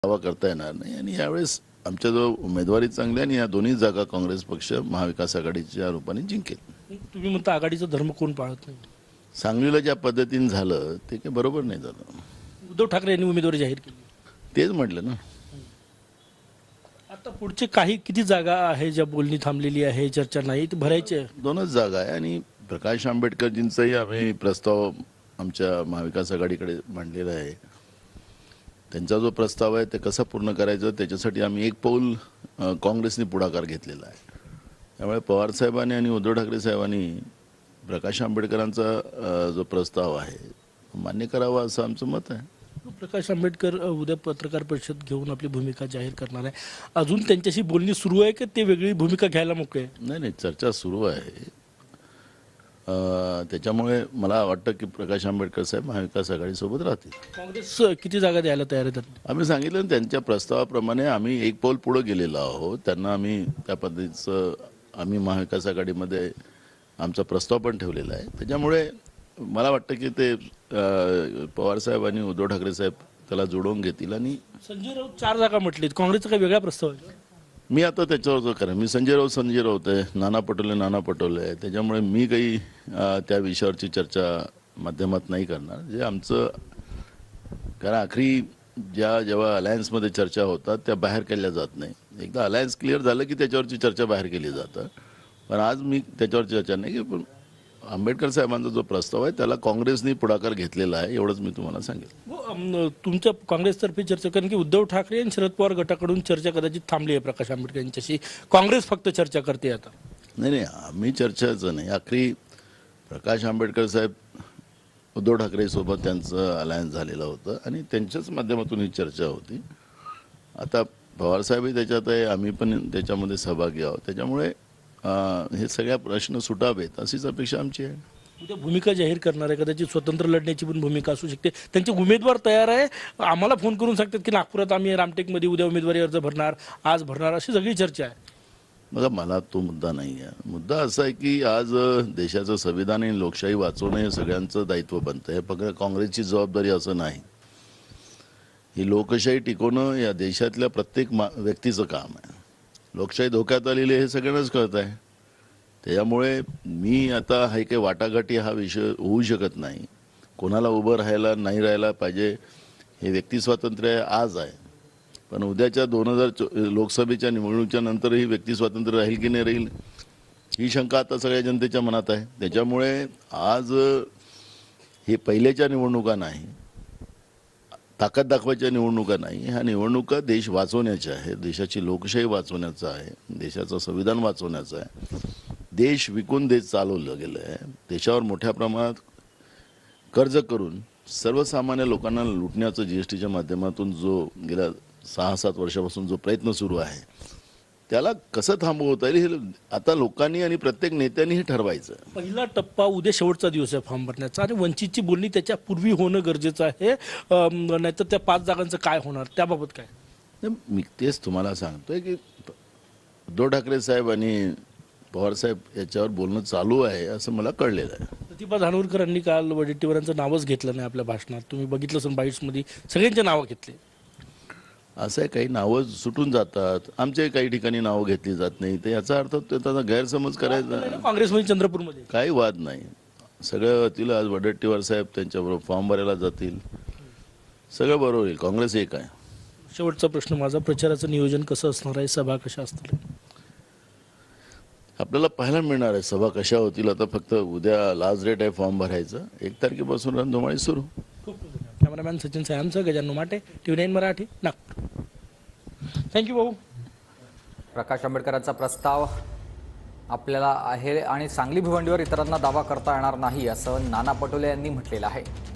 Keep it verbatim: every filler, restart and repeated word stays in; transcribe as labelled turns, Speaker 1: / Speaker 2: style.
Speaker 1: दावा करता येणार नाही आणि यावेळेस आमच्या जो उमेदवारी चांगली आणि या दोन्ही जागा काँग्रेस पक्ष महाविकास आघाडीच्या रूपाने जिंकेल.
Speaker 2: तुम्ही म्हणता आघाडीचा धर्म कोण पाळत नाही?
Speaker 1: सांगलीला ज्या पद्धतीने झालं ते काही बरोबर नाही झालं.
Speaker 2: उद्धव ठाकरे यांनी उमेदवारी जाहीर केली.
Speaker 1: तेच म्हटलं ना.
Speaker 2: आता पुढचे काही किती जागा आहे ज्या बोलणी थांबलेली आहे, चर्चा नाही, ते भरायचे आहे?
Speaker 1: दोनच जागा आहे आणि प्रकाश आंबेडकरजींचाही आम्ही प्रस्ताव आमच्या महाविकास आघाडीकडे मांडलेला आहे. त्यांचा जो प्रस्ताव आहे ते कसं पूर्ण करायचं त्याच्यासाठी आम्ही एक पाऊल काँग्रेसने पुढाकार घेतलेला आहे. त्यामुळे पवारसाहेबांनी आणि उद्धव ठाकरे साहेबांनी प्रकाश आंबेडकरांचा जो प्रस्ताव आहे मान्य करावा असं आमचं मत आहे.
Speaker 2: प्रकाश आंबेडकर उद्या पत्रकार परिषद घेऊन आपली भूमिका जाहीर करणार आहे. अजून त्यांच्याशी बोलणी सुरू आहे की ते वेगळी भूमिका घ्यायला मोकळे आहे?
Speaker 1: नाही नाही, चर्चा सुरू आहे. त्याच्यामुळे मला वाटतं की प्रकाश आंबेडकर साहेब महाविकास आघाडीसोबत राहतील.
Speaker 2: काँग्रेस किती जागा द्यायला तयार आहे?
Speaker 1: आम्ही सांगितलं त्यांच्या प्रस्तावाप्रमाणे आम्ही एक पाऊल पुढे गेलेलो आहोत. त्यांना आम्ही त्या पद्धतीचं आम्ही महाविकास आघाडीमध्ये आमचा प्रस्ताव पण ठेवलेला आहे. त्याच्यामुळे मला वाटतं की ते पवारसाहेब आणि उद्धव ठाकरे साहेब त्याला जोडवून घेतील. आणि
Speaker 2: संजय राऊत चार जागा म्हटलीत, काँग्रेसचा काही वेगळा प्रस्ताव आहे?
Speaker 1: मी आता त्याच्यावर जो करेन, मी संजय राऊत संजय राऊत आहे, नाना पटोले नाना पटोले आहे. त्याच्यामुळे मी काही त्या विषयावरची चर्चा माध्यमात नाही करणार. जे आमचं कारण आखरी ज्या जेव्हा अलायन्समध्ये चर्चा होतात त्या बाहेर केल्या जात नाही. एकदा अलायन्स क्लिअर झालं की त्याच्यावरची चर्चा बाहेर केली जातं. पण आज मी त्याच्यावर चर्चा नाही की पण आंबेडकर साहेबांचा जो प्रस्ताव आहे त्याला काँग्रेसने पुढाकार घेतलेला आहे एवढंच मी तुम्हाला सांगेल.
Speaker 2: तुमच्या काँग्रेसतर्फे चर्चा कारण की उद्धव ठाकरे आणि शरद पवार गटाकडून चर्चा कदाचित थांबली आहे प्रकाश आंबेडकर यांच्याशी, काँग्रेस फक्त चर्चा करते आता.
Speaker 1: नाही नाही, आम्ही चर्चाचं नाही. आखरी प्रकाश आंबेडकर साहेब उद्धव ठाकरेसोबत त्यांचं अलायन्स झालेलं होतं आणि त्यांच्याच माध्यमातून ही चर्चा होती. आता पवारसाहेबही त्याच्यात आहे, आम्ही पण त्याच्यामध्ये सहभागी आहोत. त्याच्यामुळे हे सगळ्या प्रश्न सुटावेत अशीच अपेक्षा आमची आहे.
Speaker 2: उद्या भूमिका जाहीर करणार आहे, कदाचित स्वतंत्र लढण्याची पण भूमिका असू शकते. त्यांचे उमेदवार तयार आहे, आम्हाला फोन करून सांगतात की नागपुरात आम्ही रामटेकमध्ये उद्या उमेदवारी अर्ज भरणार, आज भरणार, अशी सगळी चर्चा आहे.
Speaker 1: बघा, मला तो मुद्दा नाही आहे. मुद्दा असा आहे की आज देशाचं संविधान आणि लोकशाही वाचवणं हे सगळ्यांचं दायित्व बनतं. हे फक्त काँग्रेसची जबाबदारी असं नाही. ही लोकशाही टिकवणं या देशातल्या प्रत्येक व्यक्तीचं काम आहे. लोकशाही धोक्यात आलेली हे सगळ्यांनाच कळत आहे. त्याच्यामुळे मी आता हा काही वाटाघाटी हा विषय होऊ शकत नाही. कोणाला उभं राहायला नाही राहायला पाहिजे हे व्यक्ती स्वातंत्र्य आज आहे. पण उद्याच्या दोन हजार चो लोकसभेच्या निवडणुकीच्या नंतरही व्यक्ती स्वातंत्र्य राहील की नाही राहील ही शंका आता सगळ्या जनतेच्या मनात आहे. त्याच्यामुळे आज हे पहिल्याच्या निवडणुका नाही, ताकद दाखवायच्या निवडणुका नाही. ह्या निवडणुका देश वाचवण्याच्या आहे, देशाची लोकशाही वाचवण्याचा आहे, देशाचं संविधान वाचवण्याचं आहे. देश विकून देश चालवलं गेलं आहे. देशावर मोठ्या प्रमाणात कर्ज करून सर्वसामान्य लोकांना लुटण्याचं जी एस टीच्या माध्यमातून जो गेल्या सहा सात वर्षापासून जो प्रयत्न सुरू आहे त्याला कसं थांबवता येईल हे आता लोकांनी आणि प्रत्येक नेत्यांनी हे ठरवायचं.
Speaker 2: पहिला टप्पा उद्या शेवटचा दिवस आहे फॉर्म भरण्याचा आणि वंचितची बोलणी त्याच्या पूर्वी होणं गरजेचं आहे, नाहीतर त्या पाच जागांचं काय होणार त्याबाबत काय?
Speaker 1: मी तेच तुम्हाला सांगतोय की उद्धव ठाकरे साहेब आणि पवारसाहेब याच्यावर बोलणं चालू आहे असं मला कळलेलं आहे.
Speaker 2: प्रतिभा धानोरकरांनी काल वडेट्टीवारांचं नावच घेतलं नाही आपल्या भाषणात. तुम्ही बघितलं असून बाईट्समध्ये सगळ्यांचे नावं घेतले.
Speaker 1: असं काही नावं सुटून जातात, आमच्याही काही ठिकाणी नावं घेतली जात नाही. तर याचा अर्थ त्याचा गैरसमज करायचा.
Speaker 2: काँग्रेसमध्ये चंद्रपूरमध्ये
Speaker 1: काही वाद नाही, सगळं होतील. आज वडेट्टीवार साहेब त्यांच्याबरोबर फॉर्म भरायला जातील, सगळं बरोबर होईल. काँग्रेस एक आहे.
Speaker 2: शेवटचा प्रश्न माझा, प्रचाराचं नियोजन कसं असणार आहे, सभा कशा असतील?
Speaker 1: आपल्याला पाहायला मिळणार आहे सभा कशा होतील. आता फक्त उद्या लास्ट डेट आहे फॉर्म भरायचं. एक तारखेपासून रणधुमाळी सुरू.
Speaker 2: कॅमेरामॅन सचिन सायांचं, Gajanan Mate, T V nine Marathi, Nagpur. Thank you भाऊ.
Speaker 3: प्रकाश आंबेडकरांचा प्रस्ताव आपल्याला आहे आणि सांगली भिवंडीवर इतरांना दावा करता येणार नाही असं नाना पटोले यांनी म्हटलेलं आहे.